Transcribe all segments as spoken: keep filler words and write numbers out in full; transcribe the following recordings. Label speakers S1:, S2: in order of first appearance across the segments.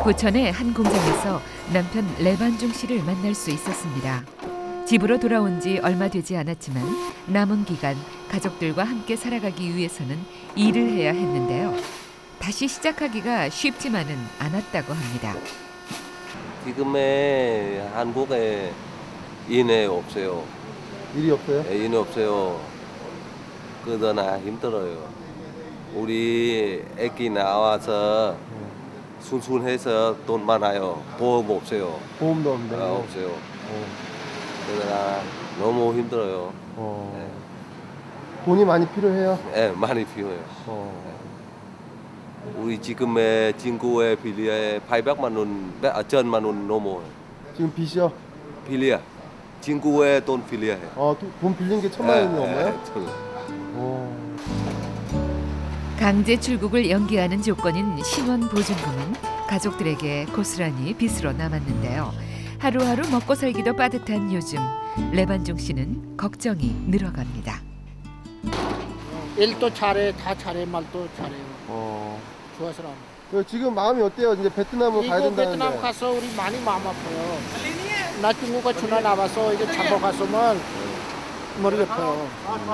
S1: 부천의 한 공장에서 남편 레반중 씨를 만날 수 있었습니다. 집으로 돌아온 지 얼마 되지 않았지만 남은 기간 가족들과 함께 살아가기 위해서는 일을 해야 했는데요. 다시 시작하기가 쉽지만은 않았다고 합니다.
S2: 지금의 한국에 인해 없어요.
S3: 일이 없어요?
S2: 예, 인해 없어요. 그러나 힘들어요. 우리 애기 나와서 순순해서 돈 많아요. 보험 없어요.
S3: 보험도 없네.
S2: 아, 없어요.
S3: 어.
S2: 그러나 너무 힘들어요.
S3: 어. 돈이 많이 필요해요?
S2: 예, 많이 필요해요.
S3: 어.
S2: 우리 지금의 친구의 빌리에 팔백만 원, 아, 천만 원 넘어요.
S3: 지금 빚이요?
S2: 빌리야. 친구의 돈 빌리야해요.
S3: 어, 또 돈 빌린 게 천만 원이 넘어요? 어.
S1: 강제 출국을 연기하는 조건인 신원 보증금은 가족들에게 고스란히 빚으로 남았는데요. 하루하루 먹고 살기도 빠듯한 요즘 레반중 씨는 걱정이 늘어갑니다.
S4: 일도 잘해, 다 잘해, 말도 잘해요.
S3: 어.
S4: 좋아서 나.
S3: 그 지금 마음이 어때요? 이제 베트남을 가야
S4: 이거
S3: 된다는데.
S4: 베트남 가서 우리 많이 마음 아파요. 나 중국에 전화 나와서 이거 잡아 갔으면 머리 아파요.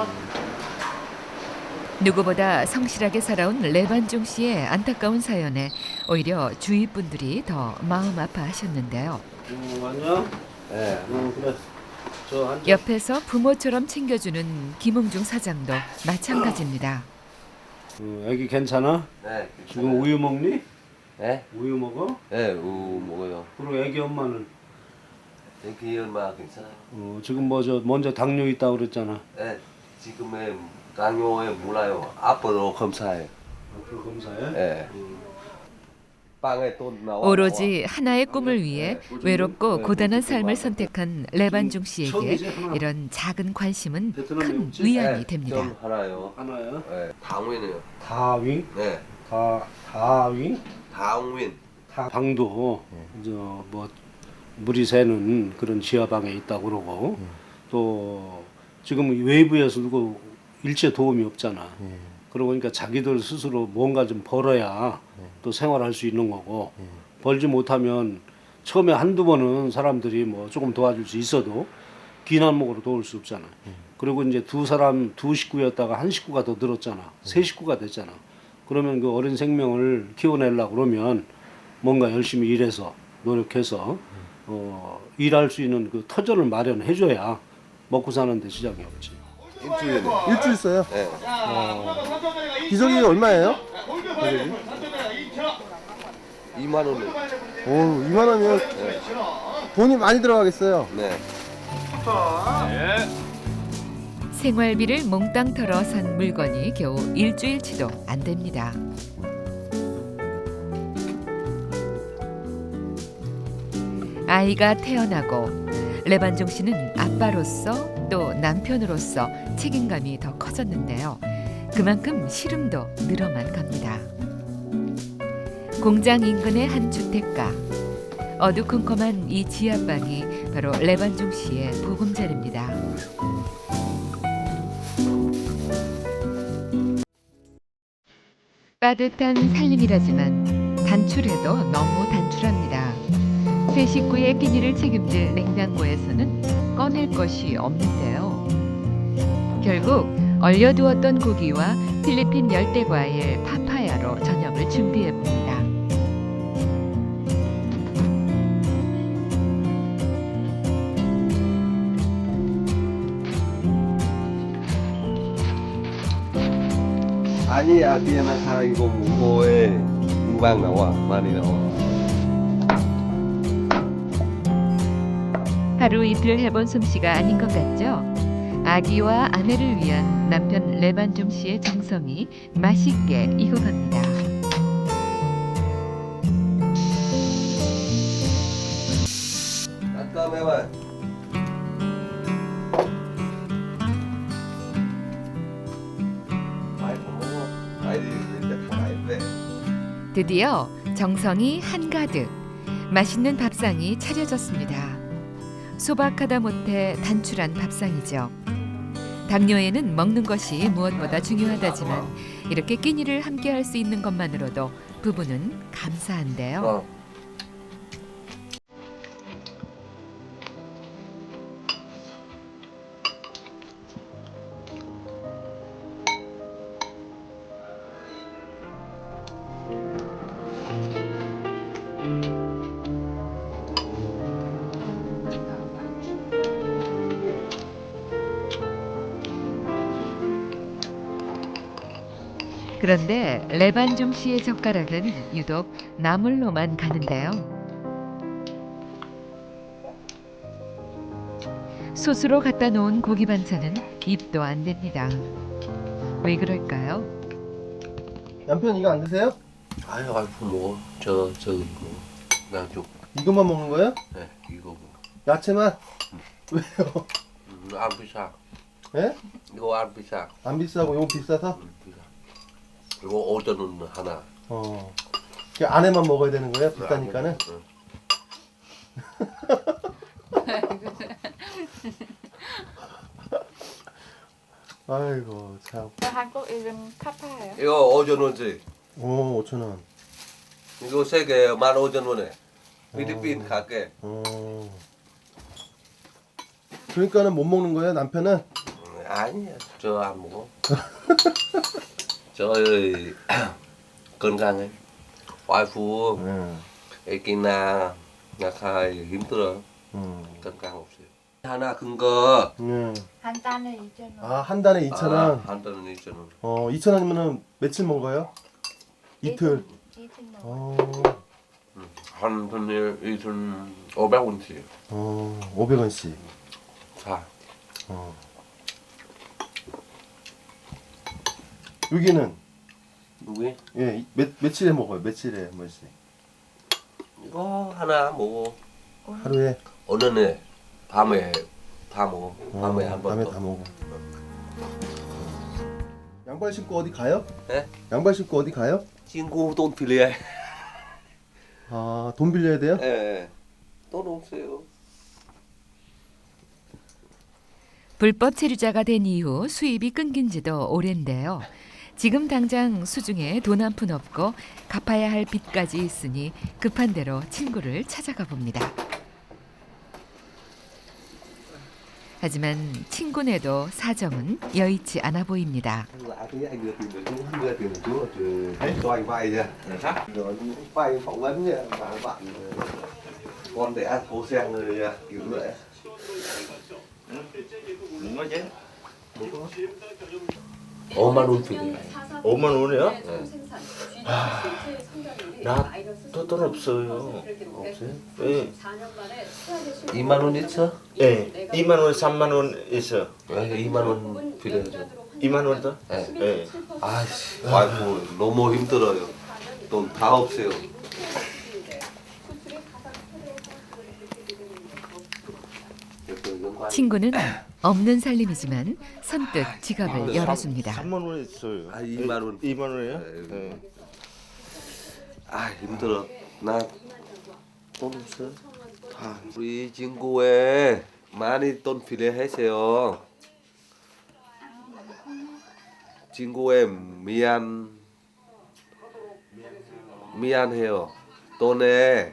S1: 누구보다 성실하게 살아온 레반중 씨의 안타까운 사연에 오히려 주위 분들이 더 마음 아파하셨는데요.
S5: 음, 안녕?
S2: 네.
S5: 음, 그래. 저 앉아.
S1: 옆에서 부모처럼 챙겨주는 김웅중 사장도 마찬가지입니다.
S5: 음, 애기 괜찮아?
S2: 네.
S5: 지금 우유 먹니?
S2: 네?
S5: 우유 먹어?
S2: 네, 우 먹어요.
S5: 그리고 애기 엄마는?
S2: 애기 얼마 괜찮아요?
S5: 어, 지금 뭐 저 먼저 당뇨 있다고 그랬잖아.
S2: 네, 지금의 당뇨에 몰라요. 앞으로 검사해.
S5: 앞으로 검사해?
S2: 네. 빵에 돈 나와.
S1: 오로지 하나의 꿈을 위해 외롭고 고단한 삶을 선택한 레반중 씨에게 이런 작은 관심은 큰 위안이 됩니다.
S2: 좀 하나요.
S5: 하나야?
S2: 네, 당윈이요.
S5: 다윙?
S2: 네,
S5: 다 다윙?
S2: 당윈.
S5: 다 방도 저뭐 물이 새는 그런 지하방에 있다고 그러고 또 지금 외부에서 누구 일체 도움이 없잖아. 그러고 보니까 자기들 스스로 뭔가 좀 벌어야 또 생활할 수 있는 거고 벌지 못하면 처음에 한두 번은 사람들이 뭐 조금 도와줄 수 있어도 긴 안목으로 도울 수 없잖아. 그리고 이제 두 사람 두 식구였다가 한 식구가 더 늘었잖아. 세 식구가 됐잖아. 그러면 그 어린 생명을 키워내려고 그러면 뭔가 열심히 일해서 노력해서 어, 일할 수 있는 그 터전을 마련해줘야 먹고 사는데 지장이 없지.
S2: 일주일에.
S3: 일주일 써요?
S2: 네.
S3: 기저귀 얼마예요? 가격이?
S2: 이만 원을.
S3: 오, 이만 원이면
S2: 네.
S3: 돈이 많이 들어가겠어요.
S2: 네.
S1: 생활비를 몽땅 털어 산 물건이 겨우 일주일치도 안 됩니다. 아이가 태어나고 레반중 씨는 아빠로서 또 남편으로서 책임감이 더 커졌는데요. 그만큼 시름도 늘어만 갑니다. 공장 인근의 한 주택가. 어두컴컴한 이 지하방이 바로 레반중 씨의 보금자리입니다. 빠듯한 살림이라지만 단출해도 너무 단출합니다. 세 식구의 끼니를 책임질 냉장고에서는 꺼낼 것이 없는데요. 결국 얼려두었던 고기와 필리핀 열대과일 파파야로 저녁을 준비해 봅니다.
S2: 아니, 아기야 나 이거 무거워해. 금방 나와. 많이 나와.
S1: 하루 이틀 해본 솜씨가 아닌 것 같죠? 아기와 아내를 위한 남편 레반중 씨의 정성이 맛있게 익어갑니다.
S2: 잠깐만. 많이 먹어. 많이 이제 다 많이 돼.
S1: 드디어 정성이 한가득 맛있는 밥상이 차려졌습니다. 소박하다 못해 단출한 밥상이죠. 당뇨에는 먹는 것이 무엇보다 중요하다지만 이렇게 끼니를 함께 할 수 있는 것만으로도 부부는 감사한데요.
S2: 어,
S1: 그런데 레반종 씨의 젓가락은 유독 나물로만 가는데요. 솥으로 갖다 놓은 고기 반찬은 입도 안 됩니다. 왜 그럴까요?
S3: 남편 이거 안 드세요?
S2: 아유, 와이프 먹어. 저, 저 이거. 나 좀,
S3: 이것만 먹는 거예요?
S2: 네, 이거 뭐.
S3: 야채만? 왜요?
S2: 음, 안 비싸.
S3: 예?
S2: 이거 안 비싸.
S3: 안 비싸고 이거 비싸서?
S2: 음, 비싸. 이거 오천 원 하나.
S3: 어. 그 안에만 먹어야 되는 거예요? 비싸니까는?
S2: 응.
S3: 아이고 참.
S6: 한국 이름 카파예요.
S2: 이거 오천 원짜리.
S3: 오 오천 원.
S2: 이거 세 개 만 오천 원에. 필리핀 갈게.
S3: 어. 그러니까는 못 먹는 거예요 남편은?
S2: 음, 아니야, 저 안 먹어. 저 건강해. 와이프
S3: 응.
S2: 애기나 약간 힘들어.
S3: 응.
S2: 건강 없어요. 하나 큰 거.
S3: 응.
S6: 한 단에 이천 원.
S3: 아 한 달에 이천 원.
S2: 아, 한 달에 이천 원.
S3: 어 이천 원이면은 며칠 먹어요? 이틀.
S6: 이틀 넘어.
S3: 어.
S2: 한 달에 이천 오백 원씩.
S3: 어 오백 원씩.
S2: 자,
S3: 어. 여기는
S2: 여기
S3: 예, 몇 며칠에 먹어요? 며칠에 한 번씩?
S2: 이거 하나 먹어.
S3: 하루에?
S2: 오늘은 밤에 다 먹어. 밤에
S3: 어,
S2: 한 번
S3: 밤에
S2: 더.
S3: 다 먹어. 양발 신고 어디 가요?
S2: 네?
S3: 양발 신고 어디 가요?
S2: 친구 돈 빌려.
S3: 아, 돈 빌려야 돼요?
S2: 예. 돈 없어요.
S1: 불법 체류자가 된 이후 수입이 끊긴 지도 오랜데요. 지금 당장 수중에 돈 한 푼 없고 갚아야 할 빚까지 있으니 급한 대로 친구를 찾아가 봅니다. 하지만 친구네도 사정은 여의치 않아 보입니다.
S2: Lạ thế anh đưa tiền được chú, đưa tiền được chú từ cho anh vay nha. Rồi vay phỏng vấn nha, và bạn con đẻ cô sen rồi kiểu vậy.
S7: đúng đó chứ.
S2: 오만 원 빌려.
S7: 오만 원이요? 나 또 돈 없어요.
S2: 없어요?
S7: 예.
S2: 이만 원 있어?
S7: 예. 이만 원, 삼만 원 있어.
S2: 네, 이만 원 빌려줘.
S7: 이만 원 더?
S2: 네.
S7: 예.
S2: 아이씨, 와이프 너무 힘들어요. 돈 다 없어요.
S1: 친구는 없는 살림이지만 선뜻 지갑을 열어줍니다.
S7: 삼만 원 있어요.
S2: 아, 이만 원.
S7: 예, 이만 원이요?
S2: 네.
S7: 예.
S2: 아 힘들어. 나 돈 없어. 다 우리 친구에 많이 돈 필요해서요. 친구에 미안 미안해요. 돈에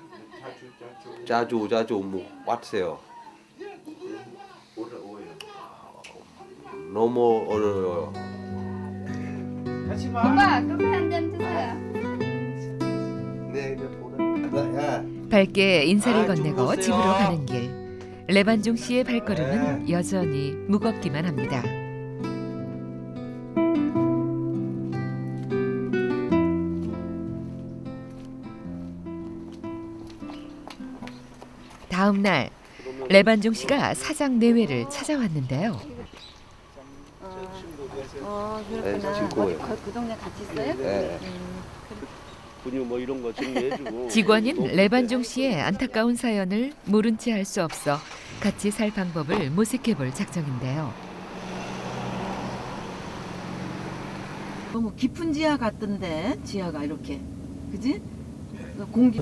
S2: 자주 자주 못 왔어요. 너무 어려워요.
S6: 오빠 커피 한 잔 주세요.
S2: 네, 이제 보내.
S1: 밝게 인사를
S2: 아,
S1: 건네고
S2: 주무세요.
S1: 집으로 가는 길. 레반종 씨의 발걸음은 여전히 무겁기만 합니다. 다음 날 레반종 씨가 사장 내외를 찾아왔는데요.
S6: 어
S2: 네, 친구예요.
S6: 그, 그 동네 같이 있어요?
S2: 네.
S5: 분유 뭐 이런 거 정리해주고.
S1: 직원인 레반종 씨의 안타까운 사연을 모른 채 할 수 없어 같이 살 방법을 모색해 볼 작정인데요.
S8: 너무 깊은 지하 같던데 지하가 이렇게 그지? 공기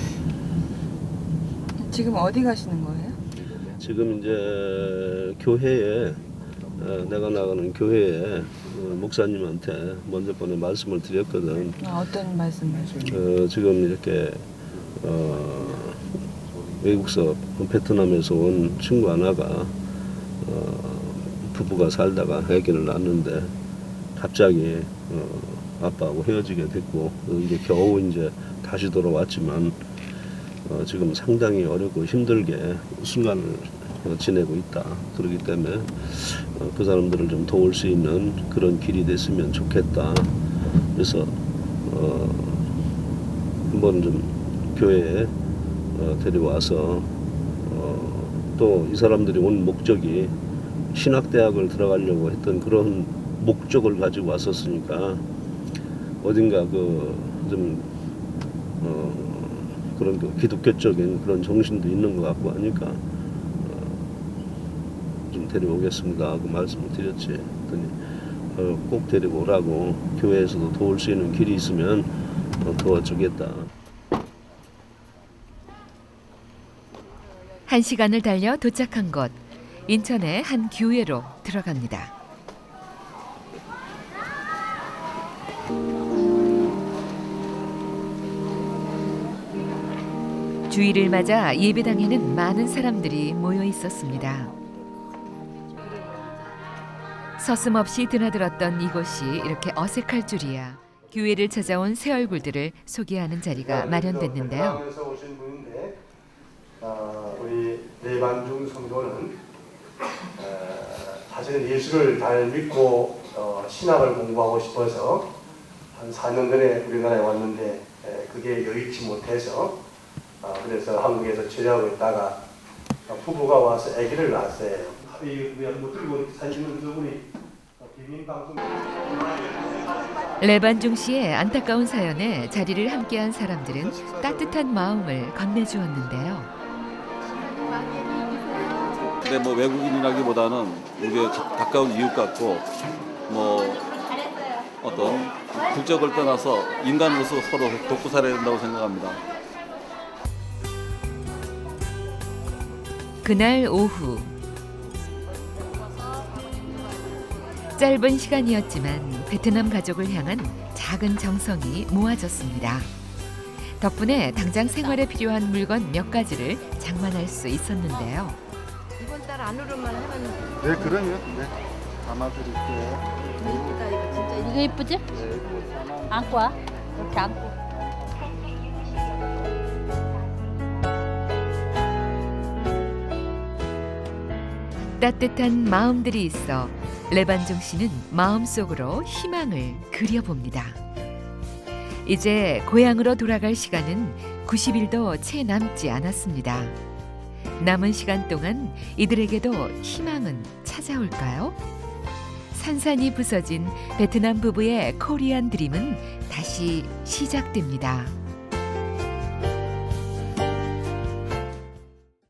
S9: 지금 어디 가시는 거예요?
S5: 지금 이제 교회에 어, 내가 나가는 교회에 어, 목사님한테 먼저 번에 말씀을 드렸거든.
S9: 아, 어떤 말씀을?
S5: 어, 지금 이렇게 어, 외국서 베트남에서 온 친구 하나가 어, 부부가 살다가 아기를 낳았는데 갑자기 어, 아빠하고 헤어지게 됐고 이제 겨우 이제 다시 돌아왔지만 어, 지금 상당히 어렵고 힘들게 순간을 어, 지내고 있다. 그렇기 때문에 어, 그 사람들을 좀 도울 수 있는 그런 길이 됐으면 좋겠다. 그래서 어, 한번 좀 교회에 어, 데려와서 어, 또 이 사람들이 온 목적이 신학대학을 들어가려고 했던 그런 목적을 가지고 왔었으니까 어딘가 그좀 어, 그런 그 기독교적인 그런 정신도 있는 것 같고 하니까 어, 좀 데려오겠습니다 하고 말씀을 드렸지. 그랬더니 어, 꼭 데려오라고 교회에서도 도울 수 있는 길이 있으면 어, 도와주겠다.
S1: 한 시간을 달려 도착한 곳, 인천의 한 교회로 들어갑니다. 주일을 맞아 예배당에는 많은 사람들이 모여 있었습니다. 서슴없이 드나들었던 이곳이 이렇게 어색할 줄이야. 교회를 찾아온 새 얼굴들을 소개하는 자리가 마련됐는데요.
S5: 에서 오신 분인데 어, 우리 레반중 성도는 어, 사실은 예수를 잘 믿고 어, 신학을 공부하고 싶어서 한 사 년 전에 우리나라에 왔는데 에, 그게 여의치 못해서 어, 그래서 한국에서 체류하고 있다가 어, 부부가 와서 아기를 낳았어요. 이 못 들고 사진은 저분이 비밀 방송.
S1: 레반중 씨의 안타까운 사연에 자리를 함께한 사람들은 따뜻한 마음을 건네주었는데요.
S10: 근데 뭐 외국인이라기보다는 우리의 가- 가까운 이웃 같고 뭐 어떤 국적을 떠나서 인간으로서 서로 돕고 살아야 된다고 생각합니다.
S1: 그날 오후 짧은 시간이었지만 베트남 가족을 향한 작은 정성이 모아졌습니다. 덕분에 당장 생활에 필요한 물건 몇 가지를 장만할 수 있었는데요.
S6: 이번 달 안으로만 하면
S3: 네, 그러면 네. 담아드릴게요.
S6: 이쁘다 이거 진짜. 이거 이쁘지? 안고 와. 이렇게 안고.
S1: 따뜻한 마음들이 있어 레반종 씨는 마음속으로 희망을 그려봅니다. 이제 고향으로 돌아갈 시간은 구십 일도 채 남지 않았습니다. 남은 시간 동안 이들에게도 희망은 찾아올까요? 산산이 부서진 베트남 부부의 코리안 드림은 다시 시작됩니다.